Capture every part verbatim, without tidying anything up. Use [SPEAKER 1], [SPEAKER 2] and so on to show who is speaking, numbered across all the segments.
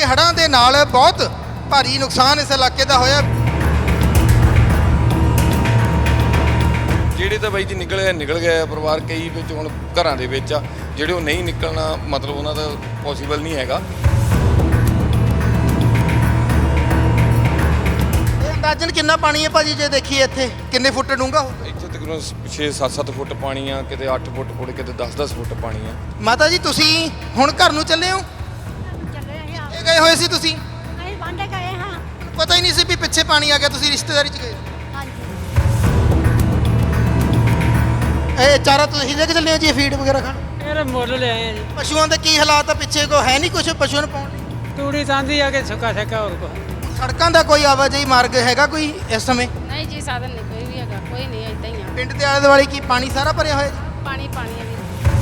[SPEAKER 1] ਕਿ ਹੜ੍ਹਾਂ ਦੇ ਨਾਲ ਬਹੁਤ ਭਾਰੀ ਨੁਕਸਾਨ ਇਸ ਇਲਾਕੇ ਦਾ ਹੋਇਆ।
[SPEAKER 2] ਜਿਹੜੇ ਤਾਂ ਬਾਈ ਜੀ ਨਿਕਲ ਗਏ ਨਿਕਲ ਗਏ ਪਰਿਵਾਰ, ਕਈ ਵਿੱਚ ਹੁਣ ਘਰਾਂ ਦੇ ਵਿੱਚ ਆ, ਜਿਹੜੇ ਉਹ ਨਹੀਂ ਨਿਕਲਣਾ ਮਤਲਬ ਉਹਨਾਂ ਦਾ ਪੋਸੀਬਲ ਨਹੀਂ ਹੈਗਾ।
[SPEAKER 1] ਇਹ ਅੰਦਾਜ਼ਨ ਕਿੰਨਾ ਪਾਣੀ ਹੈ ਭਾਜੀ, ਜੇ ਦੇਖੀਏ ਇੱਥੇ ਕਿੰਨੇ ਫੁੱਟ ਡੂੰਘਾ ਹੋਊਗਾ?
[SPEAKER 2] ਇੱਥੇ ਤਕਰੀਬਨ ਛੇ ਸੱਤ ਸੱਤ ਫੁੱਟ ਪਾਣੀ ਆ, ਕਿਤੇ ਅੱਠ ਫੁੱਟ ਪੁੜੇ, ਕਿਤੇ ਦਸ ਦਸ ਫੁੱਟ ਪਾਣੀ ਆ।
[SPEAKER 1] ਮਾਤਾ ਜੀ ਤੁਸੀਂ ਹੁਣ ਘਰ ਨੂੰ ਚੱਲੇ ਹੋ?
[SPEAKER 3] ਚੱਲੇ ਹਾਂ
[SPEAKER 1] ਇਹ ਗਏ ਹੋਏ ਸੀ ਤੁਸੀਂ?
[SPEAKER 3] ਅਸੀਂ ਵਾਂਡੇ ਗਏ ਹਾਂ।
[SPEAKER 1] ਪਤਾ ਹੀ ਨਹੀਂ ਸੀ ਵੀ ਪਿੱਛੇ ਪਾਣੀ ਆ ਗਿਆ, ਤੁਸੀਂ ਰਿਸ਼ਤੇਦਾਰੀ 'ਚ ਗਏ?
[SPEAKER 3] ਹਾਂਜੀ
[SPEAKER 1] ਇਹ ਚਾਰਾ ਤੁਸੀਂ ਲੈ ਕੇ ਚੱਲੇ ਹੋ ਜੀ, ਫੀਡ ਵਗੈਰਾ ਖਾਣ?
[SPEAKER 4] ਇਹ ਮੁੱਲ ਲੈ ਆਏ ਆ ਜੀ।
[SPEAKER 1] ਪਸ਼ੂਆਂ ਦੇ ਕੀ ਹਾਲਾਤ ਆ ਪਿੱਛੇ? ਕੋ ਹੈ ਨਹੀਂ ਕੁਝ ਪਸ਼ੂਆਂ ਨੂੰ ਪਾਉਣ ਲਈ?
[SPEAKER 4] ਤੂੜੀ ਤਾਂਦੀ ਆ ਕੇ ਸੁੱਕਾ ਸੱਕਾ ਹੋਰ ਕੋ।
[SPEAKER 1] ਸੜਕਾਂ ਦਾ ਕੋਈ ਆਵਾਜਾਈ ਮਾਰਗ ਹੈਗਾ ਕੋਈ ਇਸ ਸਮੇਂ?
[SPEAKER 5] ਨਹੀਂ ਜੀ, ਸਾਧਨ ਨਹੀਂ ਕੋਈ ਵੀ ਹੈਗਾ, ਕੋਈ ਨਹੀਂ, ਏਦਾਂ ਹੀ ਆ।
[SPEAKER 1] ਪਿੰਡ ਦੇ ਆਲੇ ਦੁਆਲੇ ਕੀ ਪਾਣੀ ਸਾਰਾ ਭਰਿਆ ਹੋਇਆ ਜੀ?
[SPEAKER 5] ਪਾਣੀ ਪਾਣੀ ਆ ਜੀ।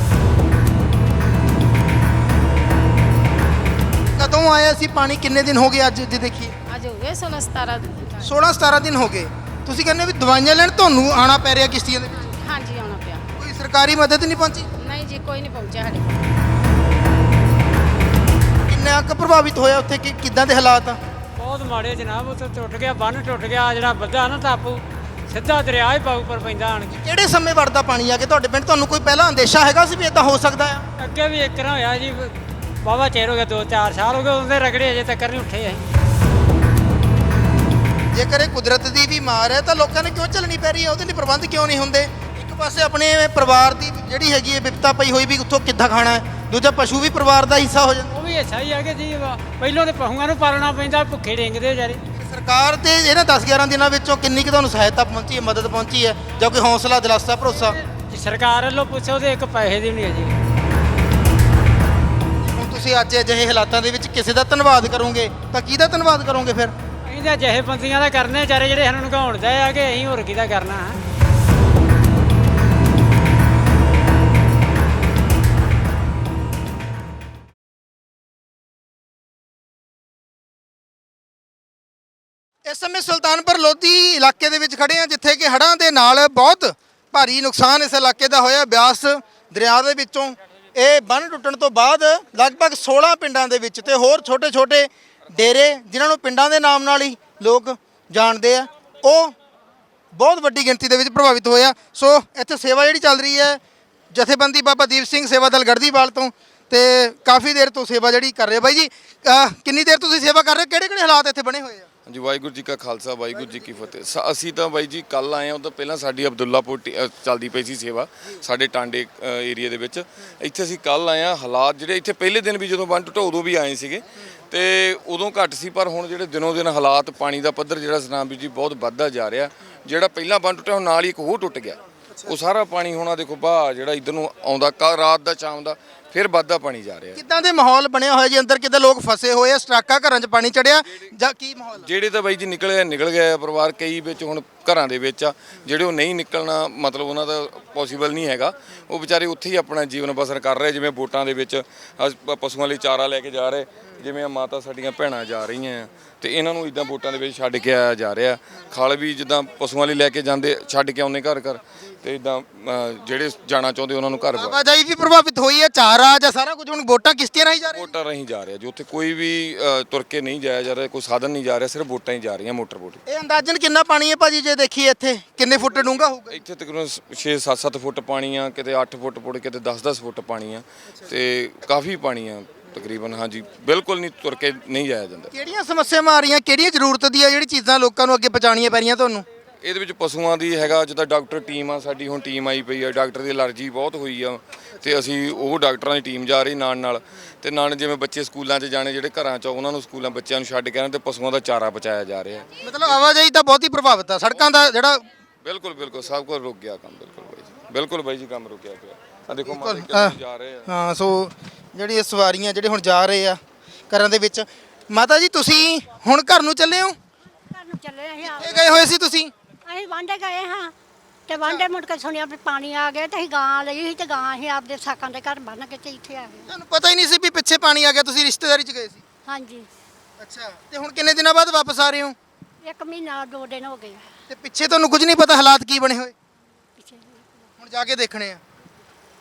[SPEAKER 1] ਕਦੋਂ ਆਇਆ ਸੀ ਪਾਣੀ? ਕਿੰਨੇ ਦਿਨ ਹੋ ਗਏ ਅੱਜ ਜੇ ਦੇਖੀਏ?
[SPEAKER 5] ਅੱਜ ਹੋ ਗਏ ਸੋਲਾਂ ਸਤਾਰਾਂ ਦਿਨ।
[SPEAKER 1] ਸੋਲਾਂ ਸਤਾਰਾਂ ਦਿਨ ਹੋ ਗਏ। ਤੁਸੀਂ ਕਹਿੰਦੇ ਵੀ ਦਵਾਈਆਂ ਲੈਣ ਤੁਹਾਨੂੰ ਆਉਣਾ ਪੈ ਰਿਹਾ ਕਿਸ਼ਤੀਆਂ ਦੇ ਵਿੱਚ?
[SPEAKER 5] ਹਾਂਜੀ, ਆਉਣਾ ਪਿਆ।
[SPEAKER 1] ਕੋਈ ਸਰਕਾਰੀ ਮਦਦ ਨਹੀਂ ਪਹੁੰਚੀ?
[SPEAKER 5] ਨਹੀਂ ਜੀ, ਕੋਈ ਨਹੀਂ ਪਹੁੰਚਿਆ ਸਾਡੇ ਕੋਲ।
[SPEAKER 1] ਕਿੰਨਾ ਕੁ ਪ੍ਰਭਾਵਿਤ ਹੋਇਆ ਉੱਥੇ, ਕਿ ਕਿੱਦਾਂ ਦੇ ਹਾਲਾਤ ਆ?
[SPEAKER 4] ਬਹੁਤ ਮਾੜੇ ਜਨਾਬ, ਉੱਥੇ ਟੁੱਟ ਗਿਆ, ਬੰਨ ਟੁੱਟ ਗਿਆ, ਜਿਹੜਾ ਵੱਧਾ ਨਾ ਟਾਪੂ ਸਿੱਧਾ ਦਰਿਆ ਹੀ ਪਾਉ ਪਰ ਪੈਂਦਾ ਆਣ ਕੇ।
[SPEAKER 1] ਕਿਹੜੇ ਸਮੇਂ ਵੜਦਾ ਪਾਣੀ ਆ ਕੇ ਤੁਹਾਡੇ ਪਿੰਡ? ਤੁਹਾਨੂੰ ਕੋਈ ਪਹਿਲਾਂ ਅੰਦੇਸ਼ਾ ਹੈਗਾ ਸੀ ਵੀ ਇਦਾਂ ਹੋ ਸਕਦਾ ਆ?
[SPEAKER 4] ਅੱਗੇ ਵੀ ਇੱਕ ਨਾ ਹੋਇਆ ਜੀ, ਵਾਹਵਾ ਚਿਰ ਹੋ ਗਿਆ, ਦੋ ਚਾਰ ਸਾਲ ਹੋ ਗਏ, ਉਹਦੇ ਰਗੜੇ ਅਜੇ ਤੱਕ ਨਹੀਂ ਉੱਠੇ ਅਸੀਂ।
[SPEAKER 1] ਜੇਕਰ ਇਹ ਕੁਦਰਤ ਦੀ ਵੀ ਮਾਰ ਹੈ ਤਾਂ ਲੋਕਾਂ ਨੇ ਕਿਉਂ ਚੱਲਣੀ ਪੈ ਰਹੀ ਹੈ? ਉਹਦੇ ਲਈ ਪ੍ਰਬੰਧ ਕਿਉਂ ਨਹੀਂ ਹੁੰਦੇ? ਇੱਕ ਪਾਸੇ ਆਪਣੇ ਪਰਿਵਾਰ ਦੀ ਜਿਹੜੀ ਹੈਗੀ ਹੈ ਵਿਪਤਾ ਪਈ ਹੋਈ ਵੀ ਉੱਥੋਂ ਕਿੱਦਾਂ ਖਾਣਾ ਹੈ, ਦੂਜਾ ਪਸ਼ੂ ਵੀ ਪਰਿਵਾਰ ਦਾ ਹਿੱਸਾ ਹੋ ਜਾਂਦਾ।
[SPEAKER 4] ਉਹ ਵੀ ਅੱਛਾ ਹੀ ਆ ਕਿ ਜੀ ਪਹਿਲੋਂ ਤੇ ਪਹੂਆਂ ਨੂੰ ਪਾਲਣਾ ਪੈਂਦਾ, ਭੁੱਖੇ ਡਿੰਗਦੇ ਵਿਚਾਰੇ।
[SPEAKER 1] ਸਰਕਾਰ ਤੇ ਇਹਨਾਂ ਦਸ ਗਿਆਰਾਂ ਦਿਨਾਂ ਵਿੱਚੋਂ ਕਿੰਨੀ ਕੁ ਤੁਹਾਨੂੰ ਸਹਾਇਤਾ ਪਹੁੰਚੀ ਹੈ, ਮਦਦ ਪਹੁੰਚੀ ਹੈ, ਜਾਂ ਕੋਈ ਹੌਸਲਾ ਦਿਲਾਸਾ ਭਰੋਸਾ?
[SPEAKER 4] ਜੇ ਸਰਕਾਰ ਵੱਲੋਂ ਪੁੱਛੋ ਤੇ ਇੱਕ ਪੈਸੇ ਦੀ ਵੀ ਨਹੀਂ ਅਜੇ।
[SPEAKER 1] ਹੁਣ ਤੁਸੀਂ ਅੱਜ ਅਜਿਹੇ ਹਾਲਾਤਾਂ ਦੇ ਵਿੱਚ ਕਿਸੇ ਦਾ ਧੰਨਵਾਦ ਕਰੋਗੇ ਤਾਂ ਕਿਹਦਾ ਧੰਨਵਾਦ ਕਰੋਗੇ ਫਿਰ?
[SPEAKER 4] ਅਸੀਂ ਤਾਂ ਅਜਿਹੇ ਬੰਦੀਆਂ ਦਾ ਕਰਨੇ ਵਿਚਾਰੇ ਜਿਹੜੇ ਸਾਨੂੰ ਨਗਾਉਣ ਦੇ ਆ ਕਿ ਅਸੀਂ ਹੋਰ ਕਿਹਦਾ ਕਰਨਾ ਹੈ।
[SPEAKER 1] ਇਸ ਸਮੇਂ ਸੁਲਤਾਨਪੁਰ ਲੋਧੀ ਇਲਾਕੇ ਦੇ ਵਿੱਚ ਖੜੇ ਆ, ਜਿੱਥੇ ਕਿ ਹੜ੍ਹਾਂ ਦੇ ਨਾਲ ਬਹੁਤ ਭਾਰੀ ਨੁਕਸਾਨ ਇਸ ਇਲਾਕੇ ਦਾ ਹੋਇਆ। ਬਿਆਸ ਦਰਿਆ ਦੇ ਵਿੱਚੋਂ ਇਹ ਬੰਨ੍ਹ ਟੁੱਟਣ ਤੋਂ ਬਾਅਦ ਲਗਭਗ ਸੋਲਾਂ ਪਿੰਡਾਂ ਦੇ ਵਿੱਚ ਤੇ ਹੋਰ ਛੋਟੇ-ਛੋਟੇ ਡੇਰੇ, ਜਿਨ੍ਹਾਂ ਨੂੰ ਪਿੰਡਾਂ ਦੇ ਨਾਮ ਨਾਲ ਹੀ ਲੋਕ ਜਾਣਦੇ ਆ, ਉਹ ਬਹੁਤ ਵੱਡੀ ਗਿਣਤੀ ਦੇ ਵਿੱਚ ਪ੍ਰਭਾਵਿਤ ਹੋਇਆ। ਸੋ ਇੱਥੇ ਸੇਵਾ ਜਿਹੜੀ ਚੱਲ ਰਹੀ ਹੈ, ਜਥੇਬੰਦੀ ਬਾਬਾ ਦੀਪ ਸਿੰਘ ਸੇਵਾ ਦਲ ਗੜਦੀਵਾਲ ਤੋਂ, ਤੇ ਕਾਫੀ ਦੇਰ ਤੋਂ ਸੇਵਾ ਜਿਹੜੀ ਕਰ ਰਹੇ। ਬਾਈ ਜੀ ਅਹ ਕਿੰਨੀ ਦੇਰ ਤੁਸੀਂ ਸੇਵਾ ਕਰ ਰਹੇ ਹੋ? ਕਿਹੜੇ-ਕਿਹੜੇ ਹਾਲਾਤ ਇੱਥੇ ਬਣੇ ਹੋਏ ਆ?
[SPEAKER 2] ਹਾਂਜੀ, ਵਾਹਿਗੁਰੂ ਜੀ ਕਾ ਖਾਲਸਾ, ਵਾਹਿਗੁਰੂ ਜੀ ਕੀ ਫਤਿਹ। ਸ- ਅਸੀਂ ਤਾਂ ਬਾਈ ਜੀ ਕੱਲ ਆਏ ਹਾਂ, ਉਹ ਤੋਂ ਪਹਿਲਾਂ ਸਾਡੀ ਅਬਦੁੱਲਾਪੁਰ ਟੀ- ਅ, ਚੱਲਦੀ ਪਈ ਸੀ ਸੇਵਾ ਸਾਡੇ ਟਾਂਡੇ ਏਰੀਆ ਦੇ ਵਿੱਚ। ਇੱਥੇ ਅਸੀਂ ਕੱਲ ਆਏ ਹਾਂ। ਹਾਲਾਤ ਜਿਹੜੇ ਇੱਥੇ ਪਹਿਲੇ ਦਿਨ ਵੀ ਜਦੋਂ ਬੰਨ ਟੁੱਟਾ ਉਦੋਂ ਵੀ ਆਏ ਸੀਗੇ, ਤੇ ਉਦੋਂ ਘੱਟ ਸੀ, ਪਰ ਹੁਣ ਜਿਹੜੇ ਦਿਨੋਂ ਦਿਨ ਹਾਲਾਤ, ਪਾਣੀ ਦਾ ਪੱਧਰ ਜਿਹੜਾ ਸਤਨਾਮ ਵੀਰ ਜੀ ਬਹੁਤ ਵੱਧਦਾ ਜਾ ਰਿਹਾ। ਜਿਹੜਾ ਪਹਿਲਾਂ ਬੰਨ ਟੁੱਟਿਆ ਹੁਣ ਨਾਲ ਹੀ ਇੱਕ ਹੋਰ ਟੁੱਟ ਗਿਆ, ਉਹ ਸਾਰਾ ਪਾਣੀ ਹੁਣ ਆ ਦੇਖੋ ਬਾਹ ਜਿਹੜਾ ਇੱਧਰ ਨੂੰ ਆਉਂਦਾ, ਕੱਲ੍ਹ ਰਾਤ ਦਾ ਸ਼ਾਮ ਦਾ ਫਿਰ ਵੱਧਦਾ ਪਾਣੀ ਜਾ ਰਿਹਾ।
[SPEAKER 1] ਕਿੱਦਾਂ ਦੇ ਮਾਹੌਲ ਬਣਿਆ ਹੋਇਆ ਜੀ ਅੰਦਰ? ਕਿੱਦਾਂ ਲੋਕ ਫਸੇ ਹੋਏ ਆ? ਸਟਰਾਕਾਂ ਘਰਾਂ 'ਚ ਪਾਣੀ ਚੜਿਆ ਜਾਂ ਕੀ ਮਾਹੌਲ ਆ?
[SPEAKER 2] ਜਿਹੜੇ ਤਾਂ ਬਾਈ ਜੀ ਨਿਕਲ ਗਏ ਨਿਕਲ ਗਏ ਪਰਿਵਾਰ, ਕਈ ਵਿੱਚ ਹੁਣ ਘਰਾਂ ਦੇ ਵਿੱਚ ਆ, ਜਿਹੜੇ ਉਹ ਨਹੀਂ ਨਿਕਲਣਾ ਮਤਲਬ ਉਹਨਾਂ ਦਾ ਪੋਸੀਬਲ ਨਹੀਂ ਹੈਗਾ, ਉਹ ਵਿਚਾਰੇ ਉੱਥੇ ਹੀ ਆਪਣਾ ਜੀਵਨ ਬਸਰ ਕਰ ਰਹੇ। ਜਿਵੇਂ ਵੋਟਾਂ ਦੇ ਵਿੱਚ ਅੱਜ ਪ- ਪਸ਼ੂਆਂ ਲਈ ਚਾਰਾ ਲੈ ਕੇ ਜਾ ਰਹੇ, ਜਿਵੇਂ ਮਾਤਾ ਸਾਡੀਆਂ ਭੈਣਾਂ ਜਾ ਰਹੀਆਂ ਤੇ ਇਹਨਾਂ ਨੂੰ ਇਦਾਂ ਵੋਟਾਂ ਦੇ ਵਿੱਚ ਛੱਡ ਕੇ ਆਇਆ ਜਾ ਰਿਹਾ। ਖਲ ਵੀ ਜਿੱਦਾਂ ਪਸ਼ੂਆਂ ਲਈ ਲੈ ਕੇ ਜਾਂਦੇ, ਛੱਡ ਕੇ ਆਉਂਦੇ ਘਰ ਘਰ, ਤੇ ਇਦਾਂ ਜਿਹੜੇ ਜਾਣਾ ਚਾਹੁੰਦੇ ਉਹਨਾਂ ਨੂੰ ਘਰ ਵਾ-
[SPEAKER 1] ਆਵਾਜਾਈ ਵੀ ਪ੍ਰਭਾਵਿਤ ਹੋਈ ਹੈ, ਚਾਰਾ ਜਾਂ ਸਾਰਾ ਕੁਝ ਹੁਣ ਵੋਟਾਂ ਕਿਸ਼ਤੀਆਂ ਰਾਹੀਂ ਜਾ ਰਹੀਆਂ?
[SPEAKER 2] ਵੋਟਾਂ ਰਾਹੀਂ ਜਾ ਰਿਹਾ ਜੀ, ਉੱਥੇ ਕੋਈ ਵੀ ਅ, ਤੁਰ ਕੇ ਨਹੀਂ ਜਾਇਆ ਜਾ ਰਿਹਾ, ਕੋਈ ਸਾਧਨ ਨਹੀਂ ਜਾ ਰਿਹਾ, ਸਿਰਫ ਵੋਟਾਂ ਹੀ ਜਾ ਰਹੀਆਂ, ਮੋਟਰ ਵੋਟ।
[SPEAKER 1] ਇਹ ਅੰਦਾਜ਼ਨ ਕਿੰਨਾ ਪਾਣੀ ਹੈ ਭਾਜੀ, ਜੇ ਦੇਖੀਏ ਇੱਥੇ ਕਿੰਨੇ ਫੁੱਟ ਡੂੰਘਾ ਹੋਊਗਾ?
[SPEAKER 2] ਇੱਥੇ ਤਕਰੀਬਨ ਛੇ ਸੱਤ ਸੱਤ ਫੁੱਟ ਪਾਣੀ ਆ, ਕਿਤੇ ਅੱਠ ਫੁੱਟ ਪੁੜੇ, ਕਿਤੇ ਦਸ ਦਸ ਫੁੱਟ ਪਾਣੀ ਆ, ਤੇ ਕਾਫੀ ਪਾਣੀ ਆ ਤਕਰੀਬਨ। ਹਾਂਜੀ, ਬਿਲਕੁਲ ਨਹੀਂ, ਤੁਰ ਕੇ ਨਹੀਂ ਜਾਇਆ ਜਾਂਦਾ।
[SPEAKER 1] ਕਿਹੜੀਆਂ ਸਮੱਸਿਆਵਾਂ ਆ ਰਹੀਆਂ, ਕਿਹੜੀਆਂ ਜ਼ਰੂਰਤ ਦੀਆਂ ਜਿਹੜੀ ਚੀਜ਼ਾਂ ਲੋਕਾਂ ਨੂੰ ਅੱਗੇ ਪਹੁੰਚਾਉਣੀਆਂ ਪੈ ਰਹੀਆਂ ਤੁਹਾਨੂੰ?
[SPEAKER 2] ਇਹਦੇ ਵਿੱਚ ਪਸ਼ੂਆਂ ਦੀ ਹੈਗਾ, ਜਿੱਦਾਂ ਡਾਕਟਰ ਟੀਮ ਆ ਸਾਡੀ, ਹੁਣ ਟੀਮ ਆਈ ਪਈ ਆ, ਡਾਕਟਰ ਦੀ ਅਲਰਜੀ ਬਹੁਤ ਹੋਈ ਆ, ਤੇ ਅਸੀਂ ਉਹ ਡਾਕਟਰਾਂ ਦੀ ਟੀਮ ਜਾ ਰਹੀ ਨਾਲ ਨਾਲ, ਤੇ ਨਾਲ ਜਿਵੇਂ ਬੱਚੇ ਸਕੂਲਾਂ 'ਚ ਜਾਣੇ, ਜਿਹੜੇ ਘਰਾਂ 'ਚ ਉਹਨਾਂ ਨੂੰ ਸਕੂਲਾਂ ਬੱਚਿਆਂ ਨੂੰ ਛੱਡ ਕੇ ਆਉਣ, ਤੇ ਪਸ਼ੂਆਂ ਦਾ ਚਾਰਾ ਪਹੁੰਚਾਇਆ ਜਾ ਰਿਹਾ।
[SPEAKER 1] ਮਤਲਬ ਆਵਾਜਾਈ ਤਾਂ ਬਹੁਤ ਹੀ ਪ੍ਰਭਾਵਿਤ ਆ, ਸੜਕਾਂ ਦਾ ਜਿਹੜਾ
[SPEAKER 2] ਬਿਲਕੁਲ ਬਿਲਕੁਲ ਸਭ ਕੁਝ ਰੁਕ ਗਿਆ ਕੰਮ। ਬਿਲਕੁਲ ਬਾਈ ਜੀ, ਬਿਲਕੁਲ ਬਾਈ ਜੀ, ਕੰਮ ਰੁਕਿਆ ਪਿਆ। ਆ ਦੇਖੋ ਮਾਤਾ ਜੀ ਜਾ ਰਹੇ ਆ।
[SPEAKER 1] ਹਾਂ, ਸੋ ਜਿਹੜੀ ਇਹ ਸਵਾਰੀਆਂ ਜਿਹੜੇ ਹੁਣ ਜਾ ਰਹੇ ਆ ਘਰਾਂ ਦੇ ਵਿੱਚ। ਮਾਤਾ ਜੀ ਤੁਸੀਂ ਹੁਣ ਘਰ ਨੂੰ ਚੱਲੇ ਹੋ?
[SPEAKER 3] ਘਰ ਨੂੰ ਚੱਲੇ ਅਸੀਂ ਆਪ।
[SPEAKER 1] ਇਹ ਗਏ ਹੋਏ ਸੀ ਤੁਸੀਂ?
[SPEAKER 3] ਅਸੀਂ ਵਾਂਡੇ ਗਏ ਹਾਂ ਤੇ ਵਾਂਡੇ ਮੁੜ ਕੇ ਸੁਣਿਆ ਵੀ ਪਾਣੀ ਆ ਗਿਆ ਤੇ ਅਸੀਂ ਗਾਂ ਲਈ ਸੀ ਤੇ ਗਾਂ ਅਸੀਂ ਆਪਦੇ ਸਾਕਾਂ ਦੇ ਘਰ ਬੰਨ ਕੇ ਤੇ ਇੱਥੇ ਆ ਗਏ।
[SPEAKER 1] ਤੁਹਾਨੂੰ ਪਤਾ ਹੀ ਨਹੀਂ ਸੀ ਵੀ ਪਿੱਛੇ ਪਾਣੀ ਆ ਗਿਆ, ਤੁਸੀਂ ਰਿਸ਼ਤੇਦਾਰੀ 'ਚ ਗਏ ਸੀ?
[SPEAKER 3] ਹਾਂਜੀ,
[SPEAKER 1] ਅੱਛਾ, ਤੇ ਹੁਣ ਕਿੰਨੇ ਦਿਨਾਂ ਬਾਅਦ ਵਾਪਸ ਆ ਰਹੇ ਹੋ?
[SPEAKER 3] ਇੱਕ ਮਹੀਨਾ ਦੋ ਦਿਨ ਹੋ ਗਏ
[SPEAKER 1] ਤੇ ਪਿੱਛੇ ਤੁਹਾਨੂੰ ਕੁਝ ਨਹੀਂ ਪਤਾ ਹਾਲਾਤ ਕੀ ਬਣੇ ਹੋਏ?
[SPEAKER 3] ਪਿੱਛੇ।
[SPEAKER 1] ਹੁਣ ਜਾ ਕੇ ਦੇਖਣੇ ਆ।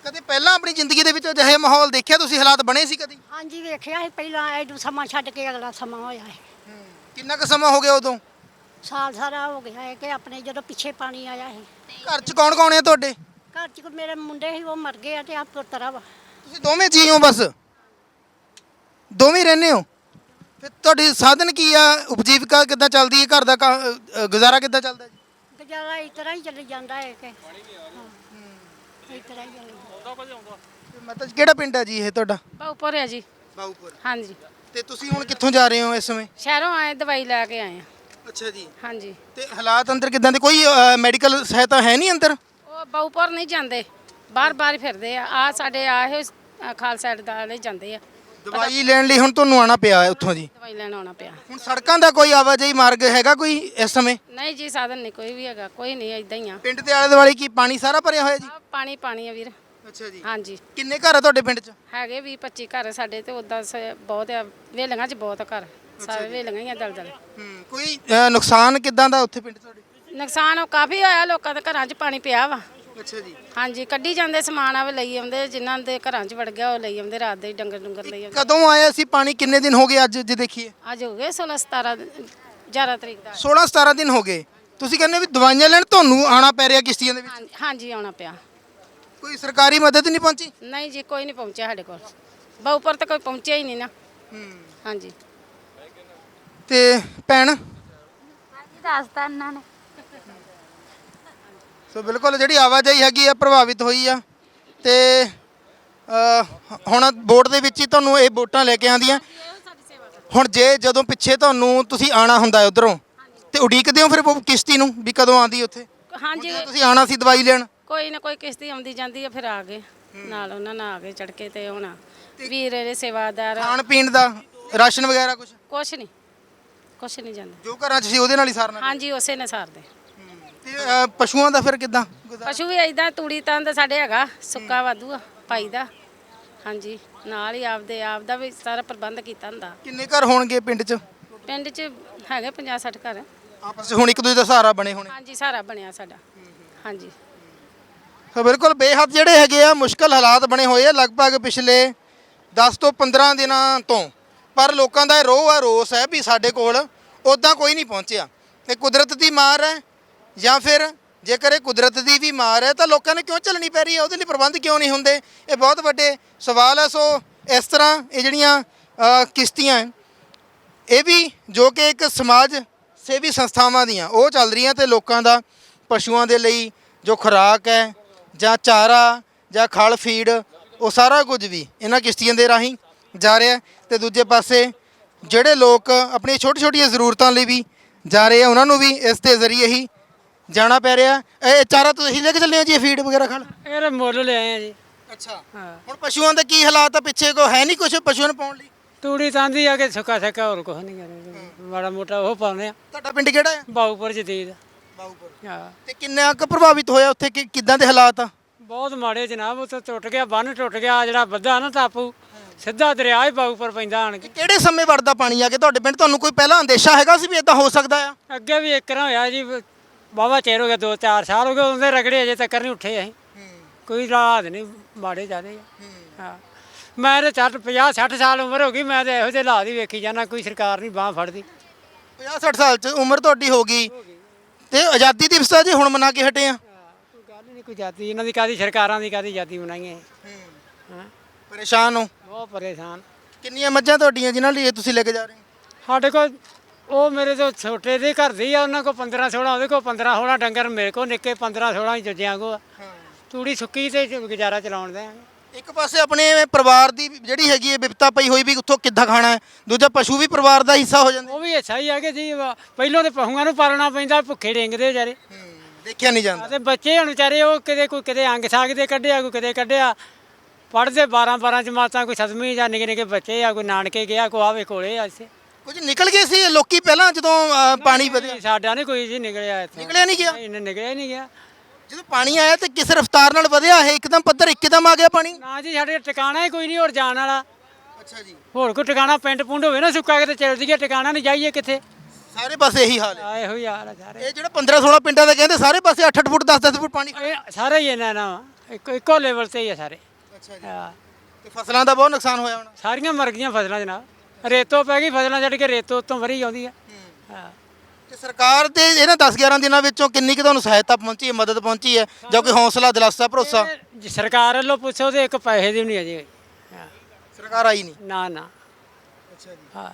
[SPEAKER 1] ਕਦੇ ਪਹਿਲਾਂ ਆਪਣੀ ਜ਼ਿੰਦਗੀ ਦੇ ਵਿੱਚ ਅਜਿਹੇ ਮਾਹੌਲ ਦੇਖਿਆ ਤੁਸੀਂ, ਹਾਲਾਤ ਬਣੇ ਸੀ ਕਦੀ?
[SPEAKER 3] ਹਾਂਜੀ ਵੇਖਿਆ ਸੀ ਪਹਿਲਾਂ ਐਡੂ ਸਮਾਂ ਛੱਡ ਕੇ ਅਗਲਾ ਸਮਾਂ ਹੋਇਆ ਹੈ।
[SPEAKER 1] ਕਿੰਨਾ ਕੁ ਸਮਾਂ ਹੋ ਗਿਆ ਉਦੋਂ?
[SPEAKER 3] ਸਾਲ ਸਾਰਾ ਹੋ ਗਿਆ ਹੈ ਕਿ ਆਪਣੇ ਜਦੋਂ ਪਿੱਛੇ ਪਾਣੀ ਆਇਆ ਸੀ।
[SPEAKER 1] ਘਰ 'ਚ ਕੌਣ ਕੌਣ ਹੈ ਤੁਹਾਡੇ?
[SPEAKER 3] ਘਰ 'ਚ ਕੋਈ ਮੇਰੇ ਮੁੰਡੇ ਸੀ ਉਹ ਮਰ ਗਏ ਆ ਤੇ ਆ ਪੁੱਤਰਾ ਵਾ।
[SPEAKER 1] ਤੁਸੀਂ ਦੋਵੇਂ ਜੀ ਹੋ ਬਸ? ਦੋਵੇਂ ਰਹਿੰਦੇ ਹੋ? ਫਿਰ ਤੁਹਾਡੀ ਸਾਧਨ ਕੀ ਆ? ਉਪਜੀਵਿਕਾ ਕਿੱਦਾਂ ਚੱਲਦੀ ਹੈ? ਘਰ ਦਾ ਕ- ਅ, ਗੁਜ਼ਾਰਾ ਕਿੱਦਾਂ ਚੱਲਦਾ ਜੀ?
[SPEAKER 3] ਗੁਜ਼ਾਰਾ ਇਸ ਤਰ੍ਹਾਂ ਹੀ ਚੱਲੀ ਜਾਂਦਾ ਹੈ ਕਿ ਹਾਂ, ਇਸ ਤਰ੍ਹਾਂ ਹੀ ਚੱਲੀ ਜਾਂਦਾ।
[SPEAKER 1] ਮਤਲਬ ਕਿਹੜਾ ਪਿੰਡ ਹੈ ਜੀ ਇਹ ਤੁਹਾਡਾ?
[SPEAKER 5] ਬਾਉਪੁਰ ਹੈ ਜੀ।
[SPEAKER 1] ਬਾਊਪੁਰ।
[SPEAKER 5] ਹਾਂਜੀ,
[SPEAKER 1] ਤੇ ਤੁਸੀਂ ਹੁਣ ਕਿੱਥੋਂ ਜਾ ਰਹੇ ਹੋ ਇਸ ਸਮੇਂ?
[SPEAKER 5] ਸ਼ਹਿਰੋਂ ਆਏ ਦਵਾਈ ਲੈ ਕੇ ਆਏ ਆ।
[SPEAKER 1] ਅੱਛਾ ਜੀ।
[SPEAKER 5] ਹਾਂਜੀ,
[SPEAKER 1] ਤੇ ਹਾਲਾਤ ਅੰਦਰ ਕਿੱਦਾਂ ਦੇ? ਕੋਈ ਮੈਡੀਕਲ ਸਹਾਇਤਾ ਹੈ ਨਹੀਂ ਅੰਦਰ?
[SPEAKER 5] ਉਹ ਬਾਉਪੁਰ ਨਹੀਂ ਜਾਂਦੇ, ਬਾਹਰ ਬਾਹਰ ਫਿਰਦੇ ਆ। ਆ ਸਾਡੇ ਆਏ ਖਾਲਸਾ ਸਾਈਡ ਦਾ ਵਾਲੇ ਜਾਂਦੇ ਆ।
[SPEAKER 1] ਦਵਾਈ ਲੈਣ ਲਈ ਹੁਣ ਤੁਹਾਨੂੰ ਆਉਣਾ ਪਿਆ ਹੈ ਉੱਥੋਂ ਜੀ?
[SPEAKER 5] ਦਵਾਈ ਲੈਣ ਆਉਣਾ ਪਿਆ।
[SPEAKER 1] ਹੁਣ ਸੜਕਾਂ ਦਾ ਕੋਈ ਆਵਾਜਾਈ ਮਾਰਗ ਹੈਗਾ ਕੋਈ ਇਸ ਸਮੇਂ?
[SPEAKER 5] ਨਹੀਂ ਜੀ, ਸਾਧਨ ਨਹੀਂ ਕੋਈ ਵੀ ਹੈਗਾ, ਕੋਈ ਨਹੀਂ, ਇਦਾਂ ਹੀ ਆ।
[SPEAKER 1] ਪਿੰਡ ਦੇ ਆਲੇ ਦੁਆਲੇ ਕੀ ਪਾਣੀ ਸਾਰਾ ਭਰਿਆ ਹੋਇਆ ਜੀ?
[SPEAKER 5] ਆਹ ਪਾਣੀ ਪਾਣੀ ਆ ਵੀਰ।
[SPEAKER 1] ਅੱਛਾ ਜੀ।
[SPEAKER 5] ਹਾਂਜੀ,
[SPEAKER 1] ਕਿੰਨੇ ਘਰ ਆ ਤੁਹਾਡੇ ਪਿੰਡ 'ਚ?
[SPEAKER 5] ਹੈਗੇ ਵੀਹ ਪੱਚੀ ਘਰ ਸਾਡੇ ਤੇ ਉਦਾਂ ਬਹੁਤ ਆ, ਵੇਲੀਆਂ 'ਚ ਬਹੁਤ ਘਰ, ਸਾਰੇ ਵੇਲੀਆਂ ਹੀ ਆ ਦਲ ਦਲ।
[SPEAKER 1] ਹੂੰ, ਕੋਈ ਅ, ਨੁਕਸਾਨ ਕਿੱਦਾਂ ਦਾ ਉੱਥੇ ਪਿੰਡ ਤੁਹਾਡੇ?
[SPEAKER 5] ਨੁਕਸਾਨ ਉਹ ਕਾਫੀ ਹੋਇਆ, ਲੋਕਾਂ ਦੇ ਘਰਾਂ 'ਚ ਪਾਣੀ ਪਿਆ ਵਾ।
[SPEAKER 1] ਅੱਛਾ ਜੀ।
[SPEAKER 5] ਹਾਂਜੀ, ਕੱਢੀ ਜਾਂਦੇ ਸਮਾਨ ਆਵੇ ਲਈ ਆਉਂਦੇ, ਜਿਨ੍ਹਾਂ ਦੇ ਘਰਾਂ 'ਚ ਵੜ ਗਿਆ ਉਹ ਲਈ ਆਉਂਦੇ, ਰਾਤ ਦੇ ਡੰਗਰ ਡੰਗਰ ਲਈ ਆਉਂਦੇ।
[SPEAKER 1] ਕਦੋਂ ਆਇਆ ਸੀ ਪਾਣੀ? ਕਿੰਨੇ ਦਿਨ ਹੋ ਗਏ ਅੱਜ ਜੇ ਦੇਖੀਏ?
[SPEAKER 5] ਅੱਜ ਹੋ ਗਏ ਸੋਲਾਂ ਸਤਾਰਾਂ ਗਿਆਰਾਂ ਤਰੀਕ ਦਾ।
[SPEAKER 1] ਸੋਲਾਂ ਸਤਾਰਾਂ ਦਿਨ ਹੋ ਗਏ। ਤੁਸੀਂ ਕਹਿੰਦੇ ਵੀ ਦਵਾਈਆਂ ਲੈਣ ਤੁਹਾਨੂੰ ਆਉਣਾ ਪੈ ਰਿਹਾ ਕਿਸ਼ਤੀਆਂ ਦੇ ਵਿੱਚ?
[SPEAKER 5] ਹਾਂਜੀ- ਹਾਂਜੀ, ਆਉਣਾ ਪਿਆ।
[SPEAKER 1] ਕੋਈ ਸਰਕਾਰੀ ਮਦਦ ਨਹੀਂ ਪਹੁੰਚੀ?
[SPEAKER 5] ਨਹੀਂ ਜੀ, ਕੋਈ ਨਹੀਂ ਪਹੁੰਚਿਆ ਸਾਡੇ ਕੋਲ। ਬਾਉਪੁਰ ਤਾਂ ਕੋਈ ਪਹੁੰਚਿਆ ਹੀ ਨਹੀਂ ਨਾ। ਹਾਂਜੀ,
[SPEAKER 1] ਤੇ ਭੈਣ?
[SPEAKER 6] ਦੱਸਤਾ ਇਹਨਾਂ ਨੇ।
[SPEAKER 1] ਸੋ ਬਿਲਕੁਲ ਜਿਹੜੀ ਆਵਾਜਾਈ ਹੈਗੀ ਆ ਪ੍ਰਭਾਵਿਤ ਹੋਈ ਆ। ਤੇ ਅ, ਹੁਣ ਬੋਟ ਦੇ ਵਿੱਚ ਹੀ ਤੁਹਾਨੂੰ ਇਹ ਬੋਟਾਂ ਲੈ ਕੇ ਆਉਂਦੀਆਂ। ਹੁਣ ਜੇ ਜਦੋਂ ਪਿੱਛੇ ਤੁਹਾਨੂੰ ਤੁਸੀਂ ਆਣਾ ਹੁੰਦਾ ਉਧਰੋਂ ਤੇ ਉਡੀਕਦੇ ਹੋ ਫਿਰ ਉਹ ਕਿਸ਼ਤੀ ਨੂੰ ਵੀ ਕਦੋਂ ਆਉਂਦੀ ਉੱਥੇ?
[SPEAKER 5] ਹਾਂਜੀ,
[SPEAKER 1] ਜਦੋਂ ਤੁਸੀਂ ਆਣਾ ਸੀ ਦਵਾਈ ਲੈਣ?
[SPEAKER 5] ਕੋਈ ਨਾ ਕੋਈ ਕਿਸ਼ਤੀ ਆਉਂਦੀ ਜਾਂਦੀ ਆ, ਫਿਰ ਆ ਗਏ ਨਾਲ, ਉਹਨਾਂ ਨਾਲ ਆ ਗਏ ਚੜ ਕੇ। ਤੇ ਹੁਣ ਵੀਰ ਇਹਦੇ ਸੇਵਾਦਾਰ,
[SPEAKER 1] ਖਾਣ ਪੀਣ ਦਾ ਰਾਸ਼ਨ ਵਗੈਰਾ ਕੁਝ?
[SPEAKER 5] ਕੁਛ ਨਹੀਂ, ਕੁਛ ਨਹੀਂ ਜਾਂਦਾ।
[SPEAKER 1] ਜੋ ਘਰਾਂ 'ਚ ਸੀ ਉਹਦੇ ਨਾਲ ਹੀ ਸਾਰਨਾ?
[SPEAKER 5] ਹਾਂਜੀ, ਉਸੇ ਨੇ ਸਾਰਦੇ।
[SPEAKER 1] ਤੇ ਅ, ਪਸ਼ੂਆਂ ਦਾ ਫਿਰ ਕਿੱਦਾਂ ਗੁਜ਼ਾਰਾ?
[SPEAKER 5] ਪਸ਼ੂ ਵੀ ਏਦਾਂ ਤੂੜੀ ਤੰਦ ਸਾਡੇ ਹੈਗਾ, ਸੁੱਕਾ ਵਾਧੂ ਆ ਪਾਈ ਦਾ। ਹਾਂਜੀ, ਨਾਲ ਹੀ ਆਪਦੇ ਆਪ ਦਾ ਵੀ ਸਾਰਾ ਪ੍ਰਬੰਧ ਕੀਤਾ ਹੁੰਦਾ।
[SPEAKER 1] ਕਿੰਨੇ ਘਰ ਹੋਣਗੇ ਪਿੰਡ 'ਚ?
[SPEAKER 5] ਪਿੰਡ 'ਚ ਹੈਗੇ ਪੰਜਾਹ ਸੱਠ ਘਰ।
[SPEAKER 1] ਆਪਸ 'ਚ ਹੁਣ ਇੱਕ ਦੂਜੇ ਦਾ ਸਹਾਰਾ ਬਣੇ ਹੋਣੇ?
[SPEAKER 5] ਹਾਂਜੀ, ਸਾਰਾ ਬਣਿਆ ਸਾਡਾ। ਹਾਂਜੀ,
[SPEAKER 1] ਸੋ ਬਿਲਕੁਲ ਬੇਹੱਦ ਜਿਹੜੇ ਹੈਗੇ ਆ ਮੁਸ਼ਕਲ ਹਾਲਾਤ ਬਣੇ ਹੋਏ ਆ ਲਗਭਗ ਪਿਛਲੇ ਦਸ ਤੋਂ ਪੰਦਰਾਂ ਦਿਨਾਂ ਤੋਂ। ਪਰ ਲੋਕਾਂ ਦਾ ਇਹ ਰੋਹ ਹੈ, ਰੋਸ ਹੈ ਵੀ ਸਾਡੇ ਕੋਲ ਉੱਦਾਂ ਕੋਈ ਨਹੀਂ ਪਹੁੰਚਿਆ। ਇਹ ਕੁਦਰਤ ਦੀ ਮਾਰ ਹੈ ਜਾਂ ਫਿਰ ਜੇਕਰ ਇਹ ਕੁਦਰਤ ਦੀ ਵੀ ਮਾਰ ਹੈ ਤਾਂ ਲੋਕਾਂ ਨੇ ਕਿਉਂ ਝੱਲਣੀ ਪੈ ਰਹੀ ਹੈ? ਉਹਦੇ ਲਈ ਪ੍ਰਬੰਧ ਕਿਉਂ ਨਹੀਂ ਹੁੰਦੇ? ਇਹ ਬਹੁਤ ਵੱਡੇ ਸਵਾਲ ਹੈ। ਸੋ ਇਸ ਤਰ੍ਹਾਂ ਇਹ ਜਿਹੜੀਆਂ ਅ, ਕਿਸ਼ਤੀਆਂ ਹੈ, ਇਹ ਵੀ ਜੋ ਕਿ ਇੱਕ ਸਮਾਜ ਸੇਵੀ ਸੰਸਥਾਵਾਂ ਦੀਆਂ ਉਹ ਚੱਲ ਰਹੀਆਂ ਤੇ ਲੋਕਾਂ ਦਾ ਪਸ਼ੂਆਂ ਦੇ ਲਈ ਜੋ ਖੁਰਾਕ ਹੈ ਜਾਂ ਚਾਰਾ ਜਾਂ ਖਲ ਫੀਡ ਉਹ ਸਾਰਾ ਕੁਝ ਵੀ ਇਹਨਾਂ ਕਿਸ਼ਤੀਆਂ ਦੇ ਰਾਹੀਂ ਜਾ ਰਿਹਾ। ਤੇ ਦੂਜੇ ਪਾਸੇ ਜਿਹੜੇ ਲੋਕ ਆਪਣੀਆਂ ਛੋਟੀ ਛੋਟੀਆਂ ਜ਼ਰੂਰਤਾਂ ਲਈ ਵੀ ਜਾ ਰਹੇ ਆ ਉਹਨਾਂ ਨੂੰ ਵੀ ਇਸ ਦੇ ਜ਼ਰੀਏ ਹੀ ਜਾਣਾ ਪੈ ਰਿਹਾ। ਇਹ ਚਾਰਾ ਤੁਸੀਂ ਲੈ ਕੇ ਚੱਲੇ ਹੋ ਜੀ? ਫੀਡ ਵਗੈਰਾ ਖਲ?
[SPEAKER 4] ਇਹ ਮੁੱਲ ਲਿਆਏ ਆ ਜੀ।
[SPEAKER 1] ਅੱਛਾ।
[SPEAKER 4] ਹਾਂ,
[SPEAKER 1] ਹੁਣ ਪਸ਼ੂਆਂ ਦਾ ਕੀ ਹਾਲਾਤ ਆ? ਪਿੱਛੇ ਕੋ ਹੈ ਨਹੀਂ ਕੁਝ ਪਸ਼ੂਆਂ ਨੂੰ ਪਾਉਣ ਲਈ?
[SPEAKER 4] ਤੂੜੀ ਤਾਂਦੀ ਆ ਕਿ ਸੁੱਕਾ ਸੱਕਾ ਹੋਰ ਕੁਛ ਨਹੀਂ ਕਰੇ, ਮਾੜਾ ਮੋਟਾ ਉਹ ਪਾਉਂਦੇ ਆ।
[SPEAKER 1] ਤੁਹਾਡਾ ਪਿੰਡ ਕਿਹੜਾ ਹੈ?
[SPEAKER 4] ਬਾਉਪੁਰ ਜਦੀਦ।
[SPEAKER 1] ਬਾਊਪੁਰ।
[SPEAKER 4] ਹਾਂ,
[SPEAKER 1] ਤੇ ਕਿੰਨਾ ਕੁ ਪ੍ਰਭਾਵਿਤ ਹੋਇਆ ਉੱਥੇ? ਕਿ ਕਿੱਦਾਂ ਦੇ ਹਾਲਾਤ ਆ?
[SPEAKER 4] ਬਹੁਤ ਮਾੜੇ ਜਨਾਬ। ਉੱਥੇ ਟੁੱਟ ਗਿਆ, ਬੰਨ ਟੁੱਟ ਗਿਆ, ਜਿਹੜਾ ਵੱਧਾ ਨਾ ਟਾਪੂ, ਸਿੱਧਾ ਦਰਿਆ ਹੀ ਬਾਉਪੁਰ ਪੈਂਦਾ ਆਣ ਕੇ।
[SPEAKER 1] ਕਿਹੜੇ ਸਮੇਂ ਵੜਦਾ ਪਾਣੀ ਆ ਕੇ ਤੁਹਾਡੇ ਪਿੰਡ? ਤੁਹਾਨੂੰ ਕੋਈ ਪਹਿਲਾਂ ਅੰਦੇਸ਼ਾ ਹੈਗਾ ਸੀ ਵੀ ਇਦਾਂ ਹੋ ਸਕਦਾ ਆ?
[SPEAKER 4] ਅੱਗੇ ਵੀ ਇੱਕ ਨਾ ਹੋਇਆ ਜੀ, ਵਾਹਵਾ ਚਿਰ ਹੋ ਗਿਆ, ਦੋ ਚਾਰ ਸਾਲ ਹੋ ਗਏ, ਉਹਦੇ ਰਗੜੇ ਅਜੇ ਤੱਕ ਨਹੀਂ ਉੱਠੇ। ਅਸੀਂ ਕੋਈ ਰਾਤ ਨਹੀਂ, ਮਾੜੇ ਜ਼ਿਆਦੇ ਆ। ਹਾਂ, ਮੈਂ ਤਾਂ ਚੱਟ ਪੰਜਾਹ ਸੱਠ ਸਾਲ ਉਮਰ ਹੋ ਗਈ, ਮੈਂ ਤਾਂ ਇਹੋ ਜਿਹੇ ਹਾਲਾਤ ਹੀ ਵੇਖੀ ਜਾਂਦਾ, ਕੋਈ ਸਰਕਾਰ ਨਹੀਂ ਬਾਂਹ ਫੜਦੀ।
[SPEAKER 1] ਪੰਜਾਹ ਸੱਠ ਸਾਲ ਚ ਉਮਰ ਤੁਹਾਡੀ ਹੋ ਗਈ ਤੇ ਆਜ਼ਾਦੀ ਦਿਵਸ ਆ ਜੀ ਹੁਣ ਮਨਾ ਕੇ ਹਟੇ ਆ?
[SPEAKER 4] ਕੋਈ ਗੱਲ ਨਹੀਂ, ਕੋਈ ਜਾਤੀ ਇਹਨਾਂ ਦੀ ਕਾਦੀ, ਸਰਕਾਰਾਂ ਦੀ ਕਾਦੀ ਜਾਤੀ ਬਣਾਈਏ। ਹਾਂ,
[SPEAKER 1] ਪਰੇਸ਼ਾਨ ਹੋ?
[SPEAKER 4] ਬਹੁਤ ਪਰੇਸ਼ਾਨ।
[SPEAKER 1] ਕਿੰਨੀਆਂ ਮੱਝਾਂ ਤੁਹਾਡੀਆਂ ਜਿਨ੍ਹਾਂ ਲਈ ਇਹ ਤੁਸੀਂ ਲੈ ਕੇ ਜਾ ਰਹੇ ਹੋ?
[SPEAKER 4] ਸਾਡੇ ਕੋਲ ਉਹ ਮੇਰੇ ਤੋਂ ਛੋਟੇ ਦੇ ਘਰ ਦੀ ਆ, ਉਹਨਾਂ ਕੋਲ ਪੰਦਰਾਂ ਸੋਲਾਂ, ਉਹਦੇ ਕੋਲ ਪੰਦਰਾਂ ਸੋਲਾਂ ਡੰਗਰ, ਮੇਰੇ ਕੋਲ ਨਿੱਕੇ ਪੰਦਰਾਂ ਸੋਲਾਂ ਹੀ ਜੱਜਿਆਂ ਕੋ। ਤੂੜੀ ਸੁੱਕੀ ਤੇ ਗੁਜ਼ਾਰਾ ਚਲਾਉਣ ਦੇ।
[SPEAKER 1] ਇੱਕ ਪਾਸੇ ਆਪਣੇ ਪਰਿਵਾਰ ਦੀ ਜਿਹੜੀ ਹੈਗੀ ਹੈ ਵਿਪਤਾ ਪਈ ਹੋਈ ਵੀ ਉੱਥੋਂ ਕਿੱਦਾਂ ਖਾਣਾ ਹੈ, ਦੂਜਾ ਪਸ਼ੂ ਵੀ ਪਰਿਵਾਰ ਦਾ ਹਿੱਸਾ ਹੋ ਜਾਂਦੇ।
[SPEAKER 4] ਉਹ ਵੀ ਅੱਛਾ ਹੀ ਆ ਕਿ ਜੀ, ਪਹਿਲੋਂ ਤੇ ਪਸ਼ੂਆਂ ਨੂੰ ਪਾਲਣਾ ਪੈਂਦਾ, ਭੁੱਖੇ ਡਿੰਗਦੇ ਵਿਚਾਰੇ।
[SPEAKER 1] ਦੇਖਿਆ ਨਹੀਂ ਜਾਂਦਾ।
[SPEAKER 4] ਤੇ ਬੱਚੇ ਹੁਣ ਵਿਚਾਰੇ ਉਹ ਕਿਤੇ ਕੋਈ ਕਿਤੇ ਅੰਗ ਸਾਗ ਦੇ ਕੱਢਿਆ, ਕੋਈ ਕਿਤੇ ਕੱਢਿਆ, ਪੜ੍ਹਦੇ ਬਾਰਾਂ ਬਾਰਾਂ ਜਮਾਤਾਂ, ਕੋਈ ਸੱਤਵੀਂ ਜਾਂ ਨਿੱਕੇ ਨਿੱਕੇ ਬੱਚੇ ਆ, ਕੋਈ ਨਾਨਕੇ ਗਿਆ, ਕੋਈ ਆਵੇ ਕੋਲੇ ਆ ਇੱਥੇ।
[SPEAKER 1] ਕੁਝ ਨਿਕਲ ਗਏ ਸੀ ਲੋਕੀ ਪਹਿਲਾਂ ਜਦੋਂ ਅ, ਪਾਣੀ ਵਧਿਆ?
[SPEAKER 4] ਸਾਡਾ ਨਹੀਂ ਕੋਈ ਜੀ ਨਿਕਲਿਆ ਇੱਥੇ।
[SPEAKER 1] ਨਿਕਲਿਆ ਨਹੀਂ ਗਿਆ?
[SPEAKER 4] ਨਹੀਂ, ਨਿਕਲਿਆ ਹੀ ਨਹੀਂ ਗਿਆ।
[SPEAKER 1] ਜਦੋਂ ਪਾਣੀ ਆਇਆ ਤੇ ਕਿਸ ਰਫ਼ਤਾਰ ਨਾਲ ਵਧਿਆ ਇਹ? ਇੱਕਦਮ ਪੱਧਰ ਇੱਕਦਮ ਆ ਗਿਆ ਪਾਣੀ?
[SPEAKER 4] ਨਾ ਜੀ, ਸਾਡੇ ਟਿਕਾਣਾ ਹੀ ਕੋਈ ਨਹੀਂ ਹੋਰ ਜਾਣ ਵਾਲਾ।
[SPEAKER 1] ਅੱਛਾ ਜੀ।
[SPEAKER 4] ਹੋਰ ਕੋਈ ਟਿਕਾਣਾ ਪਿੰਡ ਪੁੰਡ ਹੋਵੇ ਨਾ ਸੁੱਕਾ, ਕਿਤੇ ਚੱਲ ਜੀਏ, ਟਿਕਾਣਾ ਨਹੀਂ, ਜਾਈਏ ਕਿੱਥੇ?
[SPEAKER 1] ਸਾਰੇ ਪਾਸੇ ਇਹੀ ਹਾਲ ਹੈ।
[SPEAKER 4] ਆ ਇਹੋ ਹੀ ਹਾਲ ਆ ਸਾਰੇ।
[SPEAKER 1] ਇਹ ਜਿਹੜਾ ਪੰਦਰਾਂ ਸੋਲਾਂ ਪਿੰਡਾਂ ਦੇ ਕਹਿੰਦੇ ਸਾਰੇ ਪਾਸੇ ਅੱਠ ਅੱਠ ਫੁੱਟ ਦਸ ਦਸ ਫੁੱਟ ਪਾਣੀ।
[SPEAKER 4] ਇਹ ਸਾਰੇ ਹੀ ਇਹਨਾਂ ਨਾਲ ਇੱਕੋ ਇੱਕੋ ਲੈਵਲ ਤੇ ਹੀ ਆ ਸਾਰੇ।
[SPEAKER 1] ਅੱਛਾ ਜੀ।
[SPEAKER 4] ਹਾਂ
[SPEAKER 1] ਤੇ ਫਸਲਾਂ ਦਾ ਬਹੁਤ ਨੁਕਸਾਨ ਹੋਇਆ ਹੋਣਾ।
[SPEAKER 4] ਸਾਰੀਆਂ ਮਰ ਗਈਆਂ ਫਸਲਾਂ ਜਨਾਬ, ਰੇਤੋਂ ਪੈ ਗਈ ਫਸਲਾਂ ਛੱਡ ਕੇ ਰੇਤੋਂ ਉੱਤੋਂ ਵਰੀ ਆਉਂਦੀ ਆ। ਹਾਂ
[SPEAKER 1] ਤੇ ਸਰਕਾਰ ਦੇ ਇਹਨਾਂ ਦਸ ਗਿਆਰਾਂ ਦਿਨਾਂ ਵਿੱਚੋਂ ਕਿੰਨੀ ਕੁ ਤੁਹਾਨੂੰ ਸਹਾਇਤਾ ਪਹੁੰਚੀ ਹੈ, ਮਦਦ ਪਹੁੰਚੀ ਹੈ, ਜਾਂ ਕੋਈ ਹੌਸਲਾ ਦਿਲਾਸਾ ਭਰੋਸਾ?
[SPEAKER 4] ਇਹ ਜੇ ਸਰਕਾਰ ਵੱਲੋਂ ਪੁੱਛੋ ਤੇ ਇੱਕ ਪੈਸੇ ਦੀ ਵੀ ਨਹੀਂ ਅਜੇ। ਹਾਂ
[SPEAKER 1] ਸਰਕਾਰ ਆਈ ਨਹੀਂ।
[SPEAKER 4] ਨਾ ਨਾ।
[SPEAKER 1] ਅੱਛਾ ਜੀ।
[SPEAKER 4] ਹਾਂ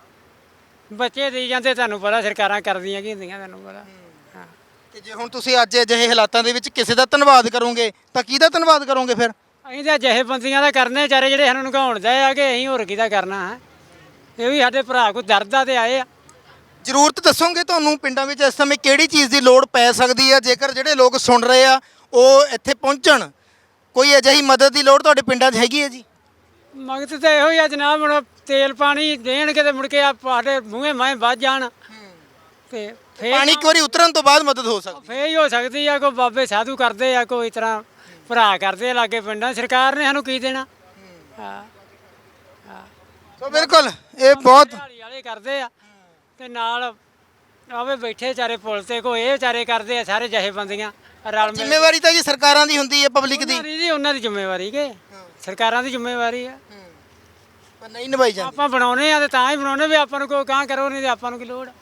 [SPEAKER 4] ਬੱਚੇ ਦੇਈ ਜਾਂਦੇ, ਤੁਹਾਨੂੰ ਪਤਾ ਸਰਕਾਰਾਂ ਕਰਦੀਆਂ ਕੀ ਹੁੰਦੀਆਂ, ਤੁਹਾਨੂੰ ਪਤਾ। ਹਾਂ
[SPEAKER 1] ਤੇ ਜੇ ਹੁਣ ਤੁਸੀਂ ਅੱਜ ਅਜਿਹੇ ਹਾਲਾਤਾਂ ਦੇ ਵਿੱਚ ਕਿਸੇ ਦਾ ਧੰਨਵਾਦ ਕਰੋਗੇ ਤਾਂ ਕਿਹਦਾ ਧੰਨਵਾਦ ਕਰੋਗੇ ਫਿਰ?
[SPEAKER 4] ਅਸੀਂ ਤਾਂ ਜਿਹੇ ਬੰਦੀਆਂ ਦਾ ਕਰਨੇ ਵਿਚਾਰੇ ਜਿਹੜੇ ਸਾਨੂੰ ਨਗਾਉਣ ਦੇ ਆ ਕਿ ਅਸੀਂ ਹੋਰ ਕਿਹਦਾ ਕਰਨਾ ਹੈ। ਇਹ ਵੀ ਸਾਡੇ ਭਰਾ ਕੋਈ ਦਰਦਾ ਤੇ ਆਏ ਆ।
[SPEAKER 1] ਜ਼ਰੂਰਤ ਦੱਸੋਗੇ ਤੁਹਾਨੂੰ ਪਿੰਡਾਂ ਵਿੱਚ ਇਸ ਸਮੇਂ ਕਿਹੜੀ ਚੀਜ਼ ਦੀ ਲੋੜ ਪੈ ਸਕਦੀ ਹੈ, ਜੇਕਰ ਜਿਹੜੇ ਲੋਕ ਸੁਣ ਰਹੇ ਆ ਉਹ ਇੱਥੇ ਪਹੁੰਚਣ? ਕੋਈ ਅਜਿਹੀ ਮਦਦ ਦੀ ਲੋੜ ਤੁਹਾਡੇ ਪਿੰਡਾਂ 'ਚ ਹੈਗੀ ਹੈ ਜੀ?
[SPEAKER 4] ਮਗਤ ਤਾਂ ਇਹੋ ਹੀ ਆ ਜਨਾਬ, ਹੁਣ ਤੇਲ ਪਾਣੀ ਦੇਣਗੇ ਤੇ ਮੁੜ ਕੇ ਆ ਸਾਡੇ ਮੂੰਹੇ ਮਾਏ ਵੱਜ ਜਾਣ ਤੇ ਫੇਰ
[SPEAKER 1] ਪਾਣੀ ਇੱਕ ਵਾਰੀ ਉਤਰਨ ਤੋਂ ਬਾਅਦ ਮਦਦ ਹੋ ਸਕਦੀ
[SPEAKER 4] ਫੇਰ ਹੀ ਹੋ ਸਕਦੀ ਆ। ਕੋਈ ਬਾਬੇ ਸਾਧੂ ਕਰਦੇ ਆ, ਕੋਈ ਇਸ ਤਰ੍ਹਾਂ ਭਰਾ ਕਰਦੇ ਆ ਲਾਗੇ ਪਿੰਡਾਂ। ਸਰਕਾਰ ਨੇ ਸਾਨੂੰ ਕੀ ਦੇਣਾ? ਹਾਂ
[SPEAKER 1] ਸੋ ਬਿਲਕੁਲ ਇਹ ਬਹੁਤ
[SPEAKER 4] ਦਿਹਾੜੀ ਵਾਲੇ ਕਰਦੇ ਆ ਤੇ ਨਾਲ ਆਵੇ ਬੈਠੇ ਵਿਚਾਰੇ ਪੁਲ ਤੇ, ਕੋਈ ਇਹ ਵਿਚਾਰੇ ਕਰਦੇ ਆ, ਸਾਰੇ ਜਿਹੇ ਬੰਦੀਆਂ ਰਲ ਮਿਲ ਕੇ।
[SPEAKER 1] ਜ਼ਿੰਮੇਵਾਰੀ ਤਾਂ ਜੀ ਸਰਕਾਰਾਂ ਦੀ ਹੁੰਦੀ ਹੈ, ਪਬਲਿਕ ਦੀ,
[SPEAKER 4] ਉਹਨਾਂ ਦੀ ਜੀ ਉਹਨਾਂ ਦੀ ਜ਼ਿੰਮੇਵਾਰੀ ਕਿ ਸਰਕਾਰਾਂ ਦੀ ਜ਼ਿੰਮੇਵਾਰੀ ਆ।
[SPEAKER 1] ਪਰ ਨਹੀਂ ਨਿਭਾਈ ਜਾਂਦੀ।
[SPEAKER 4] ਆਪਾਂ ਬਣਾਉਨੇ ਆ ਤੇ ਤਾਂ ਹੀ ਬਣਾਉਨੇ ਵੀ ਆਪਾਂ ਨੂੰ ਕੋਈ ਕਾਂ ਕਰੋ, ਨਹੀਂ ਤੇ ਆਪਾਂ ਨੂੰ ਕੀ ਲੋੜ।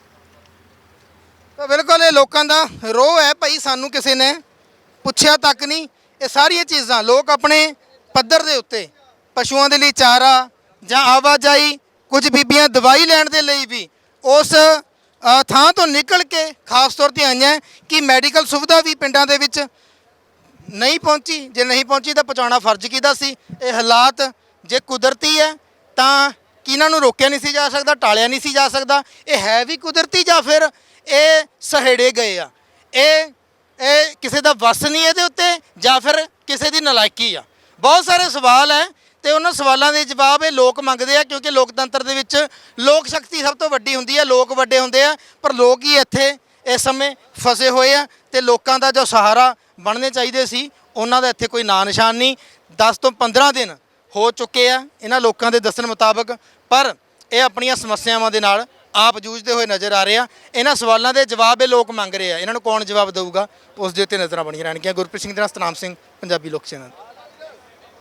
[SPEAKER 1] ਤਾਂ ਬਿਲਕੁਲ ਇਹ ਲੋਕਾਂ ਦਾ ਰੋਹ ਹੈ ਭਾਈ, ਸਾਨੂੰ ਕਿਸੇ ਨੇ ਪੁੱਛਿਆ ਤੱਕ ਨਹੀਂ। ਇਹ ਸਾਰੀਆਂ ਚੀਜ਼ਾਂ ਲੋਕ ਆਪਣੇ ਪੱਧਰ ਦੇ ਉੱਤੇ ਪਸ਼ੂਆਂ ਦੇ ਲਈ ਚਾਰਾ ਜਾਂ ਆਵਾਜਾਈ, ਕੁਝ ਬੀਬੀਆਂ ਦਵਾਈ ਲੈਣ ਦੇ ਲਈ ਵੀ ਉਸ ਅ, ਥਾਂ ਤੋਂ ਨਿਕਲ ਕੇ ਖਾਸ ਤੌਰ ਤੇ ਆਈਆਂ ਕਿ ਮੈਡੀਕਲ ਸੁਵਿਧਾ ਵੀ ਪਿੰਡਾਂ ਦੇ ਵਿੱਚ ਨਹੀਂ ਪਹੁੰਚੀ। ਜੇ ਨਹੀਂ ਪਹੁੰਚੀ ਤਾਂ ਪਹੁੰਚਾਉਣਾ ਫਰਜ਼ ਕਿਹਦਾ ਸੀ? ਇਹ ਹਾਲਾਤ ਜੇ ਕੁਦਰਤੀ ਹੈ ਤਾਂ ਕਿਹਨਾਂ ਨੂੰ ਰੋਕਿਆ ਨਹੀਂ ਸੀ ਜਾ ਸਕਦਾ, ਟਾਲਿਆ ਨਹੀਂ ਸੀ ਜਾ ਸਕਦਾ? ਇਹ ਹੈ ਵੀ ਕੁਦਰਤੀ ਜਾਂ ਫਿਰ ਇਹ ਸਹੇੜੇ ਗਏ ਆ? ਇਹ ਇਹ ਕਿਸੇ ਦਾ ਵਸ ਨਹੀਂ ਇਹਦੇ ਉੱਤੇ, ਜਾਂ ਫਿਰ ਕਿਸੇ ਦੀ ਨਲਾਇਕੀ ਆ? ਬਹੁਤ ਸਾਰੇ ਸਵਾਲ ਹੈ ਤੇ ਉਹਨਾਂ ਸਵਾਲਾਂ ਦੇ ਜਵਾਬ ਇਹ ਲੋਕ ਮੰਗਦੇ ਆ, ਕਿਉਂਕਿ ਲੋਕਤੰਤਰ ਦੇ ਵਿੱਚ ਲੋਕ ਸ਼ਕਤੀ ਸਭ ਤੋਂ ਵੱਡੀ ਹੁੰਦੀ ਹੈ, ਲੋਕ ਵੱਡੇ ਹੁੰਦੇ ਆ। ਪਰ ਲੋਕ ਹੀ ਇੱਥੇ ਇਸ ਸਮੇਂ ਫਸੇ ਹੋਏ ਆ ਤੇ ਲੋਕਾਂ ਦਾ ਜੋ ਸਹਾਰਾ ਬਣਨੇ ਚਾਹੀਦੇ ਸੀ ਉਹਨਾਂ ਦਾ ਇੱਥੇ ਕੋਈ ਨਾਂ ਨਿਸ਼ਾਨ ਨਹੀਂ। ਦਸ ਤੋਂ ਪੰਦਰਾਂ ਦਿਨ ਹੋ ਚੁੱਕੇ ਆ ਇਹਨਾਂ ਲੋਕਾਂ ਦੇ ਦੱਸਣ ਮੁਤਾਬਕ, ਪਰ ਇਹ ਆਪਣੀਆਂ ਸਮੱਸਿਆਵਾਂ ਦੇ ਨਾਲ ਆਪ ਜੂਝਦੇ ਹੋਏ ਨਜ਼ਰ ਆ ਰਹੇ ਆ। ਇਹਨਾਂ ਸਵਾਲਾਂ ਦੇ ਜਵਾਬ ਇਹ ਲੋਕ ਮੰਗ ਰਹੇ ਆ, ਇਹਨਾਂ ਨੂੰ ਕੌਣ ਜਵਾਬ ਦੇਊਗਾ ਉਸ ਦੇ ਉੱਤੇ ਨਜ਼ਰਾਂ ਬਣੀਆਂ ਰਹਿਣਗੀਆਂ। ਗੁਰਪ੍ਰੀਤ ਸਿੰਘ ਦੇ ਨਾਲ ਸਤਨਾਮ ਸਿੰਘ, ਪੰਜਾਬੀ ਲੋਕ ਚੈਨਲ।